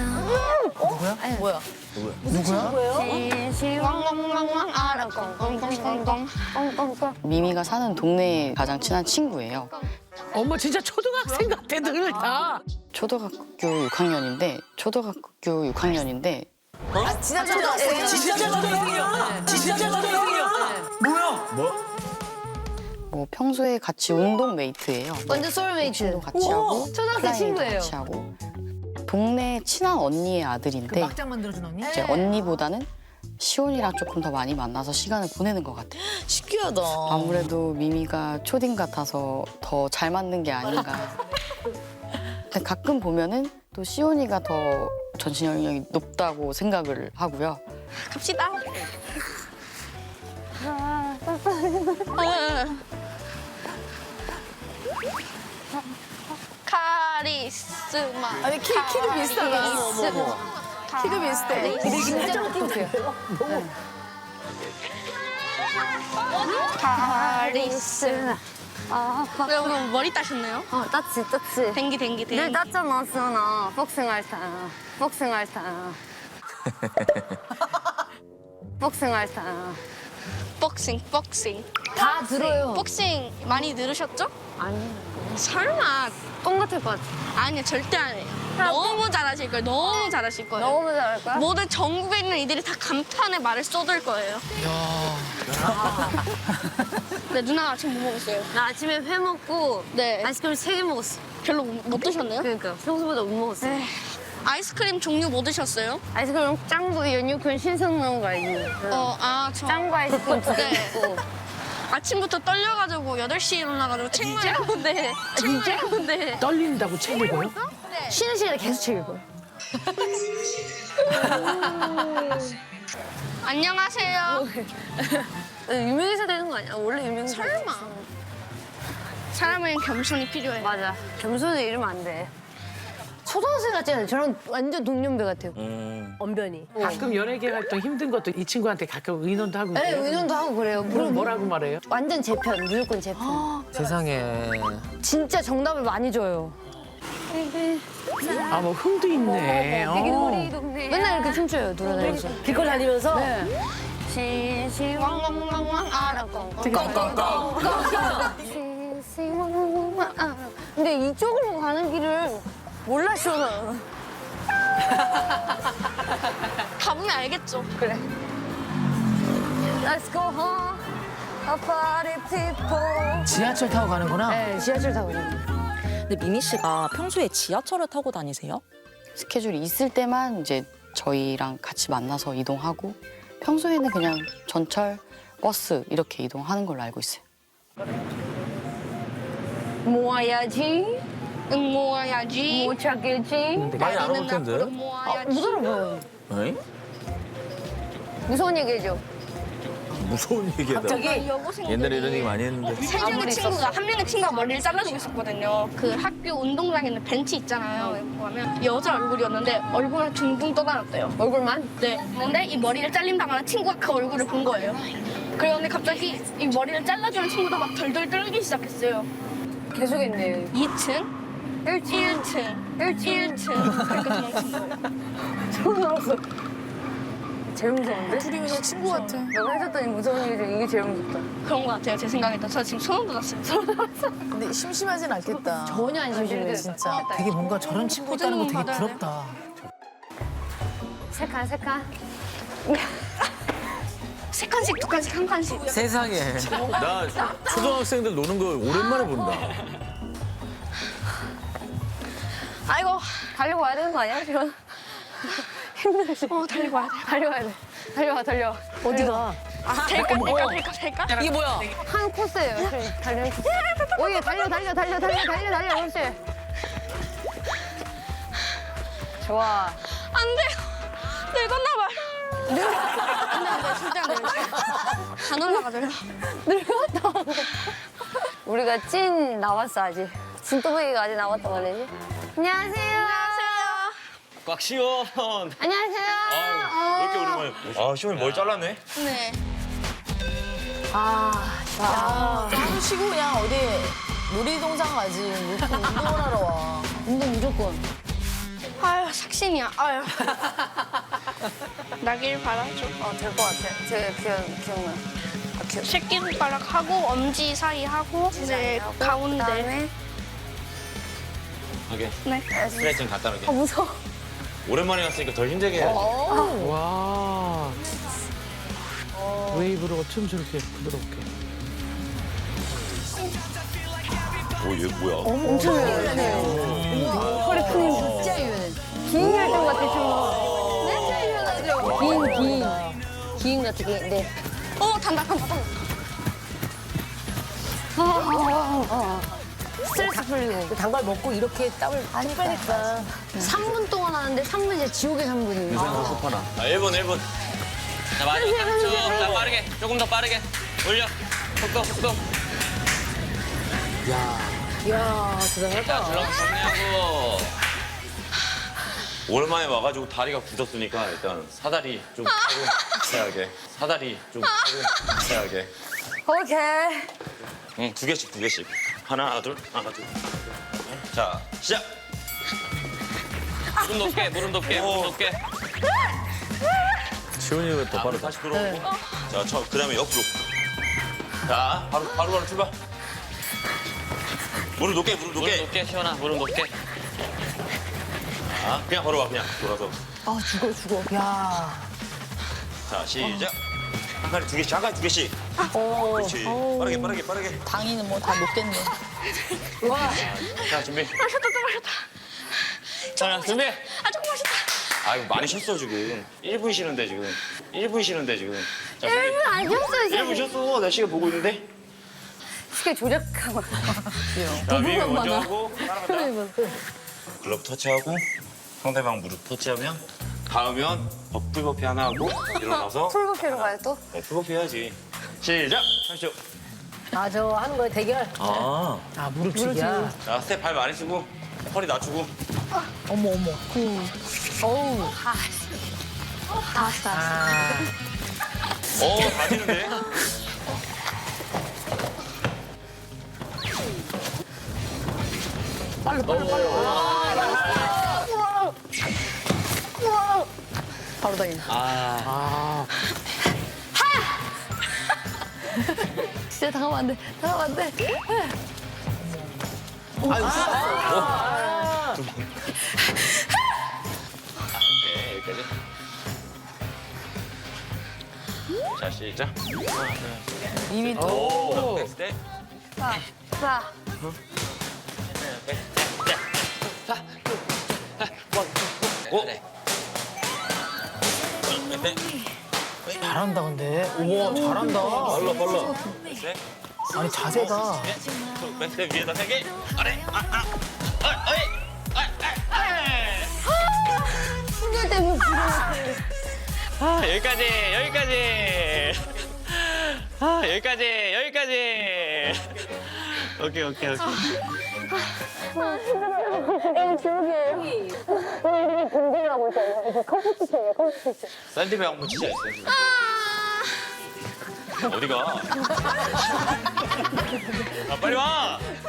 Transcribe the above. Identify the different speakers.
Speaker 1: 뭐야?
Speaker 2: 미미가 사는 동네에 가장 친한 친구예요.
Speaker 3: 어머 진짜 초등학생 같아 늘 다.
Speaker 2: 초등학교 6학년인데
Speaker 1: 진짜 초등학생이야?
Speaker 3: 진짜 초등학생이야. 진짜 초등학생이야. 뭐야?
Speaker 2: 뭐 평소에 같이 운동 메이트예요.
Speaker 1: 완전 소울메이트.
Speaker 2: 같이 하고
Speaker 1: 초등학생
Speaker 2: 클라이밍도
Speaker 1: 친구예요.
Speaker 2: 같이 하고 동네 친한 언니의 아들인데
Speaker 4: 막장 만들어준 언니?
Speaker 2: 이제 언니보다는 시온이랑 조금 더 많이 만나서 시간을 보내는 것 같아요.
Speaker 4: 신기하다.
Speaker 2: 아무래도 미미가 초딩 같아서 더 잘 맞는 게 아닌가. 근데 가끔 보면은 또 시온이가 더 전신 연령이 높다고 생각을 하고요.
Speaker 5: 갑시다. 카리스마.
Speaker 4: 아니 키도 비슷하다. 키도 비슷해.
Speaker 1: 근데 진짜 똑똑해요.
Speaker 5: 카리스마. 왜 오늘 머리 따셨나요?
Speaker 1: 땄지.
Speaker 5: 댕기.
Speaker 1: 늘 땄잖아, 수연아. 복싱할 때.
Speaker 5: 복싱.
Speaker 1: 다 들어요.
Speaker 5: 복싱 많이 늘으셨죠?
Speaker 1: 아니,
Speaker 5: 설마.
Speaker 1: 똥 같을 것 같아.
Speaker 5: 아니요, 절대 아니에요. 너무 잘하실 거예요. 너무 잘하실 거예요.
Speaker 1: 너무 잘할 거야?
Speaker 5: 모든 전국에 있는 이들이 다 감탄의 말을 쏟을 거예요. 네, 누나 아침 뭐 먹었어요?
Speaker 1: 나 아침에 회 먹고
Speaker 5: 네.
Speaker 1: 아이스크림 3개 먹었어.
Speaker 5: 별로 못 드셨나요?
Speaker 1: 그러니까 평소보다 못 먹었어.
Speaker 5: 아이스크림 종류 뭐 드셨어요?
Speaker 1: 아이스크림 짱구, 연유콘 신선 넣은 거 알지?
Speaker 5: 저
Speaker 1: 짱구 아이스크림 2개
Speaker 5: 네.
Speaker 1: 먹고.
Speaker 5: 아침부터 떨려가지고 8시에 일어나가지고 책만 읽었는데 진짜? 읽었는데
Speaker 3: 떨린다고 책 읽어요?
Speaker 1: 쉬는 시간에 계속 책 읽어요.
Speaker 5: 안녕하세요.
Speaker 1: 유명해서 되는 거 아니야? 원래 유명해서.
Speaker 5: 설마. 사람은 겸손이 필요해.
Speaker 1: 맞아. 겸손히 이러면 안 돼. 초등학생 같잖아요. 저랑 완전 동년배 같아요. 언변이.
Speaker 3: 가끔 연예계 활동 힘든 것도 이 친구한테 가끔 의논도 하고
Speaker 1: 네,
Speaker 3: 그래요?
Speaker 1: 의논도 하고 그래요.
Speaker 3: 그럼 뭐라고 말해요?
Speaker 1: 완전 제 편, 무조건 제 편.
Speaker 6: 세상에.
Speaker 1: 진짜 정답을 많이 줘요.
Speaker 3: 아 뭐 흥도 있네.
Speaker 1: 맨날 이렇게 춤춰요, 돌아다니면서. 길거리 다니면서? 네.
Speaker 5: 왕왕왕왕 알아
Speaker 1: 근데 이쪽으로 가는 길을 몰라, 시원아.
Speaker 5: 가보면 알겠죠.
Speaker 1: 그래. Let's go home, a party people.
Speaker 4: 지하철 타고 가는구나.
Speaker 1: 네, 지하철 타고 가요.
Speaker 7: 근데 미미 씨가 평소에 지하철을 타고 다니세요?
Speaker 2: 스케줄이 있을 때만 이제 저희랑 같이 만나서 이동하고 평소에는 그냥 전철, 버스 이렇게 이동하는 걸로 알고 있어요.
Speaker 1: 모아야지,
Speaker 5: 모아야지.
Speaker 1: 못 찾겠지.
Speaker 6: 많이 안 올 텐데.
Speaker 5: 모아야지.
Speaker 1: 무서워 보여요.
Speaker 6: 에이?
Speaker 1: 무서운 얘기죠.
Speaker 6: 무서운 얘기다.
Speaker 4: 갑자기
Speaker 5: 여고생들이
Speaker 6: 옛날에 이런 얘기 많이 했는데.
Speaker 5: 세 명의 친구가 한 명의 친구가 머리를 잘라주고 있었거든요. 그 학교 운동장에 있는 벤치 있잖아요. 여기 보면 여자 얼굴이었는데 얼굴을 둥둥 떠다녔대요.
Speaker 1: 얼굴만?
Speaker 5: 네. 근데 이 머리를 잘린다거나 친구가 그 얼굴을 본 거예요. 그런데 갑자기 이 머리를 잘라주는 친구도 막 덜덜 떨기 시작했어요.
Speaker 1: 계속 했네.
Speaker 5: 2층, 1층, 1층. 그렇게 도망친 거예요.
Speaker 1: 처음 알았어. 제일 무서운데?
Speaker 4: 둘이 그냥 친구 같아.
Speaker 1: 내가 해줬더니 무서운 얘기 중에 이게 제일 무섭다.
Speaker 5: 그런 것 같아요. 제 생각에도. 저 지금 소름 돋았어요. 소름 돋았어.
Speaker 4: 근데 심심하진 않겠다.
Speaker 1: 전혀 안 심심해.
Speaker 4: 진짜 되게 뭔가 저런 친구 있다는 거 되게
Speaker 5: 받아야 돼.
Speaker 4: 부럽다.
Speaker 1: 세 칸.
Speaker 5: 세 칸씩, 두 칸씩, 한 칸씩.
Speaker 6: 세상에. 나 초등학생들 노는 거 오랜만에 본다.
Speaker 5: 아이고,
Speaker 1: 달리고 와야 되는 거 아니야, 지금? 힘들어.
Speaker 5: 달리고 와야 돼.
Speaker 1: 달려와야 돼. 달려와. 어디가?
Speaker 5: 될까?
Speaker 4: 이게 뭐야?
Speaker 1: 한 코스예요. 달리는 코스. 오예, 달려. 그렇지. 좋아.
Speaker 5: 안 돼요. 늙었나 봐요. 안 돼, 절대 안 돼요. 안 올라가져요.
Speaker 1: 늙었다. 우리가 찐 나왔어, 아직. 진또배기가 아직 나왔단 말이지. 안녕하세요.
Speaker 8: 꽉 시원.
Speaker 1: 안녕하세요.
Speaker 8: 왜 이렇게 오랜만에. 아, 시원이 머리 잘랐네.
Speaker 5: 네.
Speaker 4: 땀 쉬고 그냥 어디 놀이동산 가지. 왜 이렇게 운동을 하러 와.
Speaker 1: 운동 무조건.
Speaker 5: 아유 삭신이야. 아유. 나길 바라죠.
Speaker 1: 될 것 같아. 제가 기억나.
Speaker 5: 새끼손가락 하고 엄지 사이 하고 이제 가운데.
Speaker 1: 그다음에
Speaker 8: 오케이.
Speaker 5: 네.
Speaker 8: 스트레칭 간단하게.
Speaker 1: 무서워.
Speaker 8: 오랜만에 왔으니까 더 힘들게 해야지.
Speaker 3: 와. 웨이브로 춤 저렇게 부드럽게.
Speaker 8: 오, 얘 뭐야?
Speaker 1: 엄청 유연해요. 허리 푸는 진짜 유연해. 기인 활동 같아, 춤. 진짜 유연하죠? 기인 같은 게, 네.
Speaker 5: 단다.
Speaker 1: 스트레스 풀리고.
Speaker 4: 단걸 먹고 이렇게 땀을 쭉 빼니까.
Speaker 1: 3분 동안 하는데 3분 이제 지옥의 3분이에요.
Speaker 8: 아, 1분. 자, 마지막 3초. 자, 빠르게. 조금 더 빠르게. 올려. 속도.
Speaker 4: 이야, 대단하다.
Speaker 8: 자, 줄넘기 정리하고. 오랜만에 와가지고 다리가 굳었으니까 일단 사다리 좀 하고 해야게. 사다리 좀 하고 해야게.
Speaker 1: 오케이.
Speaker 8: 응, 두 개씩. 하나, 둘. 자, 시작. 무릎 높게.
Speaker 6: 시원이가 더 빠르다.
Speaker 8: 다시 들어오고. 자, 그다음에 옆으로. 자, 바로 출발. 무릎 높게, 시원아. 무릎 높게. 자, 그냥 바로 와, 그냥 돌아서.
Speaker 4: 아, 죽어. 야.
Speaker 8: 자, 시작. 한 칸에 두 개씩. 그렇지. 빠르게.
Speaker 4: 당이는 뭐 다 녹겠네.
Speaker 8: 자, 준비.
Speaker 5: 마셨다.
Speaker 8: 자, 준비.
Speaker 5: 조금 마셨다.
Speaker 8: 아이고, 많이 쉬었어, 지금. 1분 쉬는데, 지금. 자, 준비.
Speaker 1: 안 쉬었어요,
Speaker 8: 1분 쉬었어. 나 시간 보고 있는데.
Speaker 1: 스케일 조작하고.
Speaker 8: 자, 위에 먼저 하고, 따라간다. 글러브 터치하고, 상대방 무릎 터치하면, 닿으면, 풀버피 하나 하고, 일어나서.
Speaker 1: 풀버피로 가요, 또?
Speaker 8: 네, 풀버피 해야지. 시작! 하시죠.
Speaker 4: 아, 저 하는 거에 대결.
Speaker 6: 아.
Speaker 4: 아, 무릎치기야.
Speaker 8: 자, 스텝 발 많이 쓰고, 허리 낮추고.
Speaker 4: 어머. 어우.
Speaker 8: 다 되는데?
Speaker 2: 바로 다니나.
Speaker 3: 아.
Speaker 1: 진짜 당하면 안 돼.
Speaker 8: 네, 여기까지. 자, 시작.
Speaker 4: 이미 또.
Speaker 3: 오.
Speaker 8: 백스텝.
Speaker 1: 자,
Speaker 8: 오!
Speaker 4: 잘한다, 근데. 우와, 잘한다.
Speaker 8: 빨라. 백스텝.
Speaker 4: 아니, 자세가.
Speaker 8: 백스텝 위에다 3개. 아래.
Speaker 1: 신경 때문에 부러워.
Speaker 8: 여기까지. 오케이.
Speaker 1: 이거 지옥이에요. 이렇게 공부하고 있잖아요. 이거 컴퓨터예요.
Speaker 8: 샌드백 한번 치자, 샌드백. 어디가? 아, 빨리 와!